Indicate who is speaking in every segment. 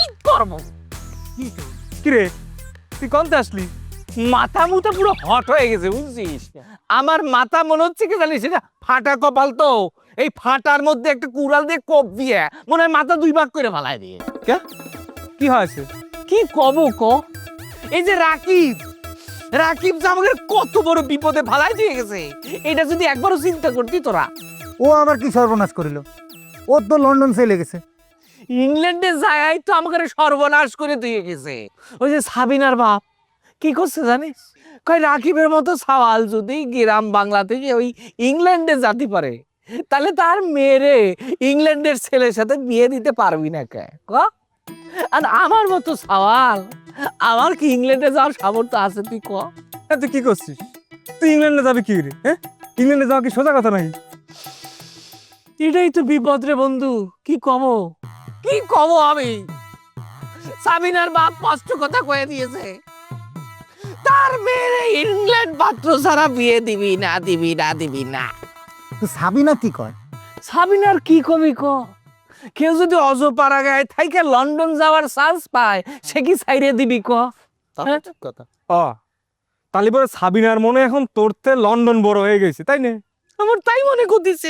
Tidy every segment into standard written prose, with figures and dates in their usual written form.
Speaker 1: করবো।
Speaker 2: কিরে তুই কোনতে আসলি?
Speaker 1: মাথা মুথা পুরো হট হয়ে গেছে বুঝছিস। আমার মাথা মনে হচ্ছে কি জানিস, এটা ফাটা কপাল তো, এই ফাটার মধ্যে একটা কুড়াল দিয়ে কোপ দিয়ে মনে হয় মাথা দুই ভাগ করে ফালাই দিয়ে।
Speaker 2: কে কি হয়েছে?
Speaker 1: কি কব ক? এই যে রাকিব, রাকিব যে আমাকে কত বড় বিপদে ফালাই দিয়ে গেছে, এটা যদি একবারও চিন্তা করতি তোরা।
Speaker 3: ও আবার কি সর্বনাশ করিল? ও তো লন্ডন চলে গেছে।
Speaker 1: ইংল্যান্ডে যায় তো আমাকে সর্বনাশ করে দিয়ে গেছে। ওই যে সাবিনার বাপ কি করছে জানিস, কয় রাকিবের মতো সওয়াল যদি গ্রাম বাংলা থেকে ওই ইংল্যান্ডে যেতে পারে, তাহলে তার মেয়েরে ইংল্যান্ডের ছেলের সাথে বিয়ে দিতে পারবি না কে ক? আর আমার মতো সওয়াল, আমার কি ইংল্যান্ডে যাওয়ার সামর্থ্য আছে তুই ক?
Speaker 2: তুই কি করছিস? তুই ইংল্যান্ডে যাবি কি রে? হ্যাঁ, ইংল্যান্ডে যাওয়া কি সোজা কথা নাকি?
Speaker 1: এটাই তো বিপদ রে বন্ধু। কি কব, কি কব আমি? সাবিনার বাপ কষ্ট কথা কয়ে দিয়েছে, তার মেয়ে ইংল্যান্ড পাত্র ছাড়া বিয়ে দিবি না, দিবি না, দিবি না।
Speaker 3: তো সাবিনা কি কয়?
Speaker 1: সাবিনার কি কবি ক? কেউ যদি অজপাড়া গায়ে থাইকে লন্ডন যাওয়ার চান্স পায়, সে কি ছাইরে দিবি ক? হ্যাঁ?
Speaker 3: কথা।
Speaker 2: তাহলে পরে সাবিনার মনে এখন তোরতে লন্ডন বড় হয়ে গেছে, তাই না?
Speaker 1: আমার তাই মনে করতেছে।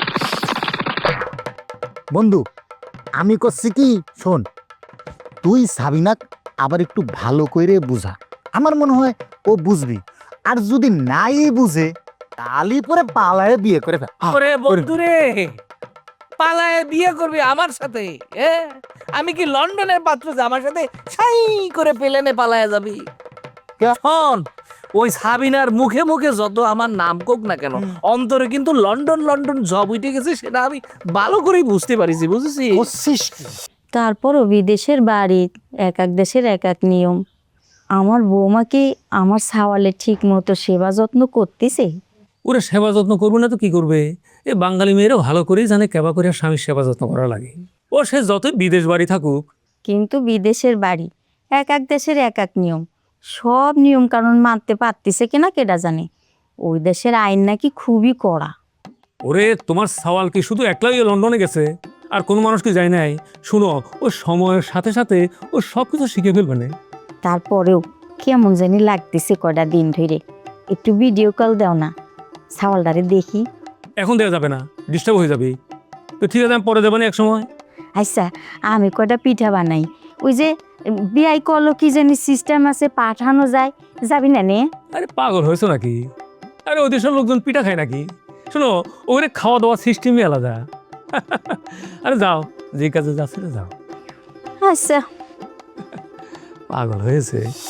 Speaker 3: বন্ধু আমি করছি কি, শোন, তুই সাবিনাক আবার একটু ভালো করে বুঝা। আমার মনে হয় ও বুঝবি, আর যদি নাই বুঝে তাহলে পরে পালায়ে বিয়ে করে ফেল।
Speaker 1: ওরে বন্ধু রে, পালায় বিয়ে করবি আমার সাথে? আমি কি লন্ডনের পাত্র যে আমার সাথে ছাই করে প্লেনে পালায় যাবি?
Speaker 3: কে?
Speaker 1: শোন, ওই সাবিনার মুখে মুখে যত আমার নাম কোক না কেন, অন্তরে কিন্তু লন্ডন লন্ডন জব উঠে গেছে, সেটা আমি ভালো করেই বুঝতে পারিছি, বুঝেছিস?
Speaker 3: বুঝছিস কি?
Speaker 4: তারপরও বিদেশের বাড়ি, এক এক দেশের এক এক নিয়ম। আমার বৌমা কি আমার সাওয়ালে ঠিক মতো সেবা যত্ন করতেছে?
Speaker 5: ওরা সেবা যত্ন করবে না তো কি করবে? এ বাঙালি মেয়েরাও ভালো করেই জানে কেবা করে স্বামীর সেবা যত্ন করা লাগে। ও সে যতই বিদেশ বাড়ি থাকুক।
Speaker 4: কিন্তু বিদেশের বাড়ি, এক এক দেশের এক এক নিয়ম। সব নিয়ম কানুন মানতে পারতেছে কিনা কেডা জানে। ওই দেশের আইন নাকি খুবই কড়া।
Speaker 5: ওরে তোমার সওয়াল কি শুধু একলাই লন্ডনে গেছে আর কোনো মানুষ কি যায় নাই? শুনো, ও সময়ের সাথে সাথে ও সব কিছু শিখে ফেলবে না।
Speaker 4: তারপরেও কেমন জানি লাগতেছে কয়টা দিন ধরে। একটু ভিডিও কল দাও না, সাওয়ালটারে দেখি।
Speaker 5: এখন দেওয়া যাবে না, ডিস্টার্ব হয়ে যাবে। তো ঠিক আছে, আমি পরে দেবো না এক সময়।
Speaker 4: আচ্ছা, আমি কয়টা পিঠা বানাই। ওই যে বিয়াই করলো কি জানি সিস্টেম আছে, পাঠানো যায়, যাবি না নে?
Speaker 5: আরে পাগল হয়েছো নাকি? আরে ওই দেশের লোকজন পিঠা খায় নাকি? শোনো, ওখানে খাওয়া দাওয়ার সিস্টেমই আলাদা। আরে যাও, যে কাজে যাচ্ছে যাও।
Speaker 4: আচ্ছা।
Speaker 5: পাগল হয়েছে।